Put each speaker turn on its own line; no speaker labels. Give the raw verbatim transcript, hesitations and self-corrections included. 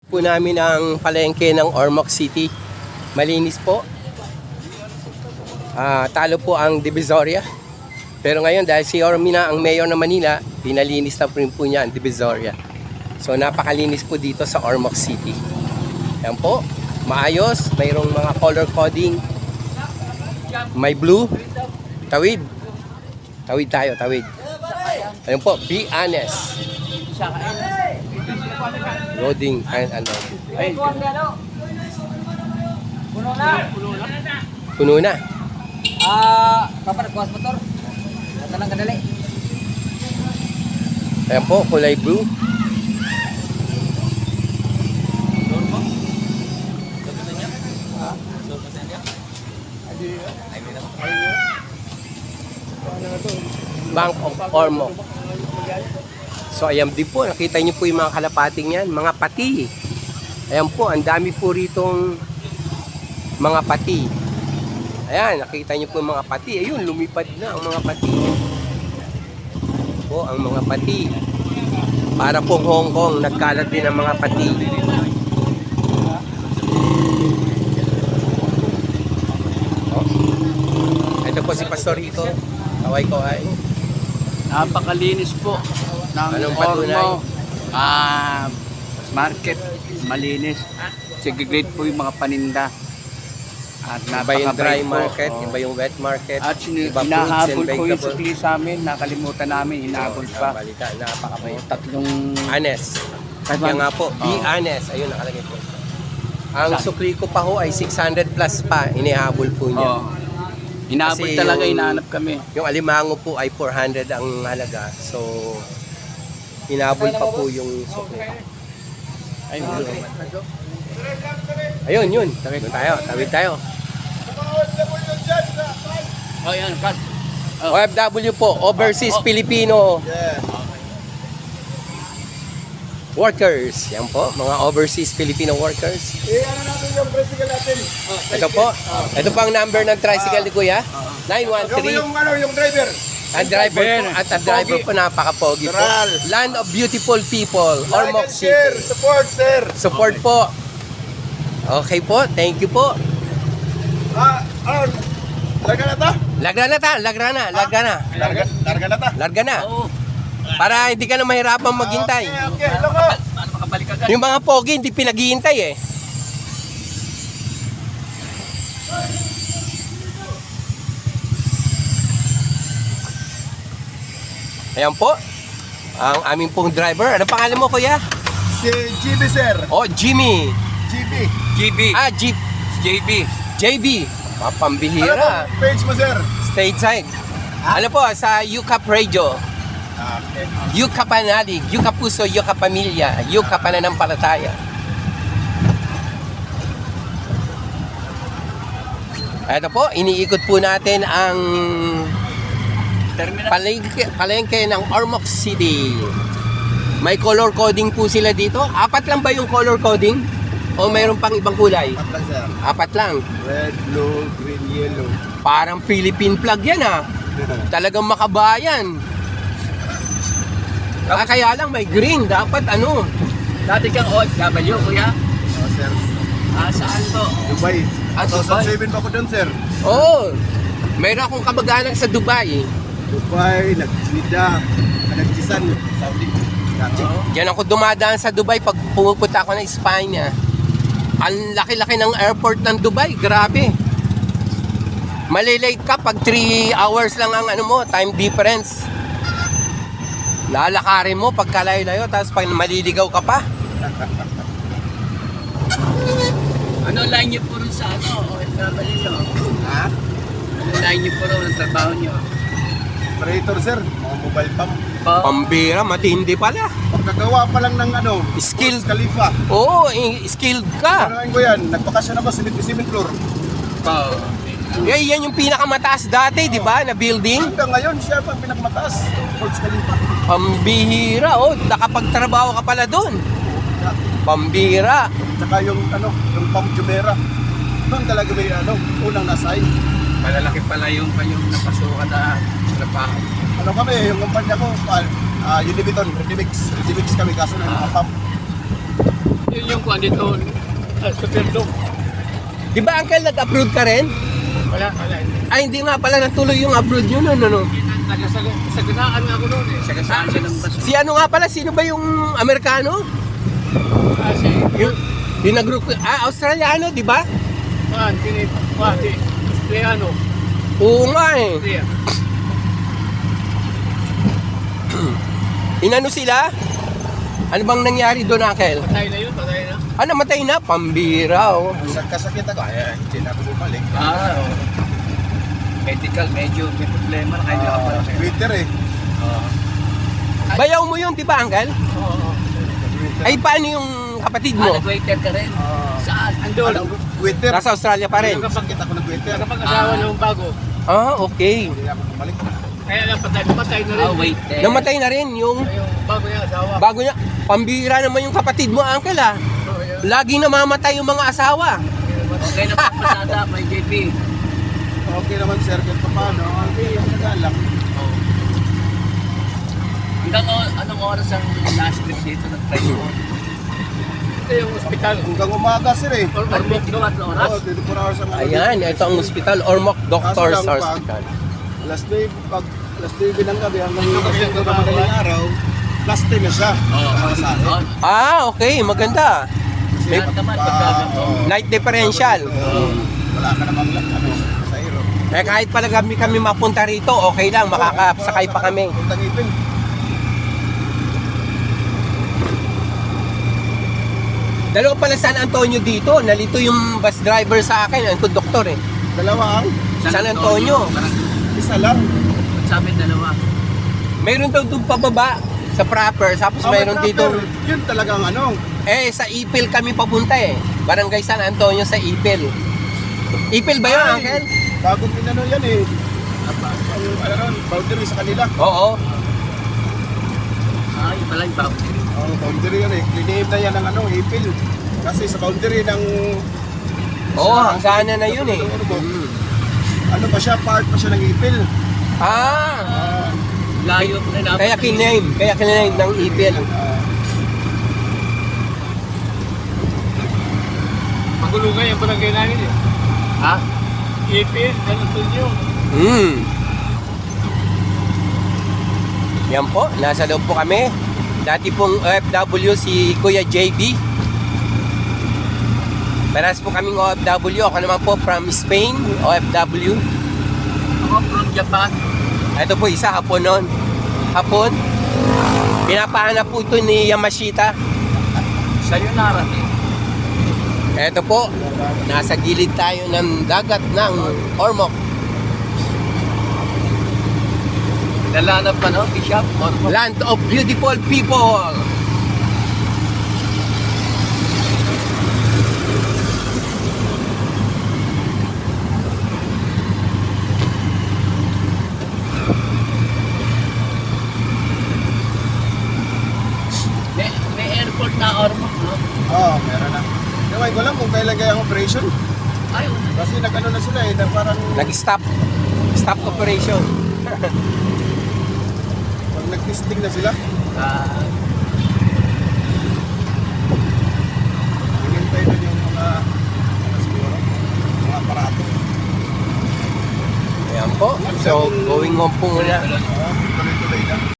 Po namin ang palengke ng Ormoc City. Malinis po. Ah, talo po ang Divisoria. Pero ngayon dahil si Ormy na ang mayor ng Manila, pinalinis na po rin po niya ang Divisoria. So napakalinis po dito sa Ormoc City. Yan po. Maayos. Mayroong mga color coding. May blue. Tawid. Tawid tayo, tawid. Ayun po, be honest. Loading and ano. Ay.
Puno na.
Puno na.
Ah, papa nagkuhas motor. Ito lang kadali.
Ayan po, kulay blue. Bank of Ormoc. So ayan din po, nakita niyo po yung mga kalapating yan, mga pati. Ayan po, ang dami po ritong mga pati. Ayan, nakita niyo po yung mga pati. Ayun, lumipad na ang mga pati. Po, ang mga pati. Para pong Hong Kong, nagkalat din ang mga pati. Oh. Ito po si Pastor Rico. Kaway ko ay.
Napakalinis po ng
Anong patunay?
Ormoc ah, market, malinis. Segregate po yung mga paninda. At
Iba yung dry
napaka-bright po.
market,
Oo.
iba yung wet market,
At sinu-
iba fruits and
hinahabol po yung
vegetables.
sukli sa amin, nakalimutan namin, hinahabol
Oh,
pa.
balita, napakabait.
Oo, tatlong
Honest.
Five
Kaya nga po, be
Oo.
honest. Ayun, nakalagay po. Ang
Sa-
sukli ko pa ho ay six hundred plus pa, inihabol po niya.
oh, hinahabol
Kasi
talaga,
yung-
hinahanap kami.
Yung alimango po ay four hundred ang halaga. So, hinabol pa po yung sukli. Ay, ayun, yun. Tawid tayo, tawid tayo.
Oh, yan, cut.
O F W po, Overseas
Oh.
Filipino workers. Yan po, mga overseas Filipino workers.
Eh, ano natin yung tricycle natin?
Ito po, ito po ang number ng tricycle ni Kuya. nine one
Yung,
three.
yung, ano, yung driver.
Ang driver po, at ang driver po napaka-pogi po.
Coral.
Land of beautiful people,
Like
Ormoc
and share,
City.
support, sir.
Support po. Okay po, thank you po.
Ah, ano, larga na ta?
Lagra na ta, lagra na, lagra na.
Larga, larga na ta?
Larga na.
Oo.
Para hindi ka na mahirapang maghintay.
Okay, okay, hello ko.
Paano makabalik agad?
Yung mga pogi, hindi pinaghihintay eh. Ayan po. Ang aming pong driver. Ano pangalan mo, Kuya?
Si G B, sir.
Oh, Jimmy.
G B.
G B.
Ah, Jeep.
J B.
J B.
Ano
Mapambihira.
po, page mo, sir?
Stateside. Ano po, sa U C A P Radio.
Ah, okay.
U C A P Panalig, U C A P Puso, U C A P Pamilya, U C A P Pananampalataya. Ito po, iniikot po natin ang
Terminal.
palengke, palengke ng Ormoc City. May color coding po sila dito. Apat lang ba yung color coding? O mayroon pang ibang kulay?
Patlang, sir.
Apat lang.
Red, blue, green, yellow.
Parang Philippine flag yan ah. Talagang makabayan. Ah, kaya lang may green. Dapat ano.
Dati kang O F W, kuya.
Oh, sir.
Ah, saan to?
Dubai.
Ah, Dubai.
two thousand seven pa ko dun, sir.
Oo. Oh, mayroon akong kamag-anak sa Dubai.
Dubai, nag-Jeddah, nag-Jisan, Saudi. Dati.
Diyan ako dumadaan sa Dubai pag pumupunta ako ng Espanya. Ang laki-laki ng airport ng Dubai. Grabe. Malilate ka pag three hours lang ang ano mo, time difference. Lalakarin mo pag kalayo-layo, tapos pag maliligaw ka pa.
Ano line niyo po rin sa ano? O F W nyo?
Ha?
Ano line niyo po rin ang trabaho niyo?
Operator, sir. Mga mobile pump.
Pa-
Pambira, matindi pala.
Pagkagawa pa lang ng ano,
Skill.
Burj Khalifa.
Oo, i- skilled ka.
Ano ko yan? Nagbakasyon ako sa cement floor.
pa-
Eh, yan yung pinakamataas dati, di ba, na building?
Hanggang ngayon, siya pa ang pinakamataas. Burj Khalifa.
Pambihira, oh, nakapagtrabaho ka pala doon. Pambira.
Tsaka yung ano, yung Pump Jumeirah. Doon talaga may ano, unang nasign.
Malalaki pala yung kayong napasukan na trabaho.
Ano kami, yung kumpanya ko, uh, uh, Univiton, Redimix. Redimix kami, kaso ng mga pump.
Yun yung kuha dito. Uh, Superdo.
Di ba, Uncle, nag-abroad ka rin?
Wala, wala.
Ay, hindi nga pala natuloy yung abroad yun, ano, no?
Sagasaan nga ako noon eh. Sagasaan siya ng baso.
Si ano nga pala, sino ba yung Amerikano?
Kasi,
Yung, yung nag-group, ah, Australiano, di ba?
ah, tinip, ah, di, Australiano.
Oo nga eh.
Austria.
Inano sila? Ano bang nangyari doon, Uncle?
Patay na yun, patay na.
Ah, namatay na, pambira, oh.
Sa kasakit ako, ay, hindi na ako bumalik.
Ah, oh. Medical, medyo may problema na kaya
Ah,
pala.
Twitter eh.
Bayaw mo yun, di ba, Uncle?
Oo.
Ay, paano yung kapatid
Ah,
mo?
nag-waiter ka rin.
Ah,
Saan?
Andun. Twitter.
Nasa Australia pa rin.
Nakasakit ako ng Twitter.
Nakapag-asawa
Ah.
ng bago.
Ah, okay.
Hindi na ako bumalik.
Kaya lang patay, patay na rin.
Ah, waiter.
Namatay na rin yung
Yung bago niya asawa.
bago niya. Pambira naman yung kapatid mo, Uncle, ah.
Oo, yun.
Lagi namamatay yung mga asawa.
Okay na po, pasada, may J P.
Okay naman sir, kahit pa paano. Okay, yung nagalak.
Hanggang o- anong oras ang last trip dito nag-try mo?
Ito yung ospital.
Hanggang umaga sir eh.
Or, or,
Ormoc doon at oras?
Oo, dito po na ako sa mga
Ayan, ito ang hospital, Ormoc Doctors
Kaso lang, pag-
Hospital.
Last day, pag last day bilang gabi hanggang hanggang hanggang madaling araw, last day na siya. Para sa akin.
Oh,
Ah, okay, maganda. May
lahat naman
Ah,
pagkagato.
oo.
night differential.
Oo. Wala ka namang ano, sa iro.
Eh kahit pala kami kami mapunta rito, okay lang, makakasakay pa kami.
Puntang ipin.
Dalawa pala San Antonio dito, nalito yung bus driver sa akin, ang konduktor eh.
Dalawa ang
San Antonio.
isa lang.
Sa amin dalawa.
Mayroon daw doon pababa sa proper, tapos
Ah,
mayroon
may
dito,
proper. Yun talagang ano.
eh sa Ipil kami papunta eh. Barangay San Antonio sa Ipil. Ipil ba yun,
Ay,
Uncle?
Bagong pinano yan eh. Ang ano ron, boundary sa kanila.
Oo.
Ay, pala yung bago.
Oh, boundary yan eh. Linihim na yan ng ano, ipil. Kasi sa boundary ng...
Oo, hangganan na yun eh.
Ano, ano pa siya, part pa siya ng ipil.
Ah,
Ah,
Layo na namin.
kaya kiname, kaya kiname ng Ipil.
ah,
Magulo nga yung barangay namin eh.
Ha?
Ipin, ganun yun.
Hmm. Yan po, nasa loob po kami. Dati pong O F W si Kuya J B. Paras po kaming O F W. Ako naman po from Spain, O F W.
Ako from Japan.
Ito po isa, hapon nun. Hapon. Pinapahanap po ito ni Yamashita.
Sayonara eh.
Ito po, nasa gilid tayo ng dagat ng Ormoc.
Nalanap pa no, Bishop? Ormoc.
Land of beautiful people.
May, may airport na Ormoc, no?
Oo, meron na. Ewan ko lang kung kailan kaya ang operation.
Ay, wala.
Kasi nag-ano na sila eh, na parang
Nag-stop. Stop operation.
pag nag-testing na sila,
Ah,
hinintay na yung mga, ano siguro, mga aparato.
Ayan po. So, going home po muna.
Oo.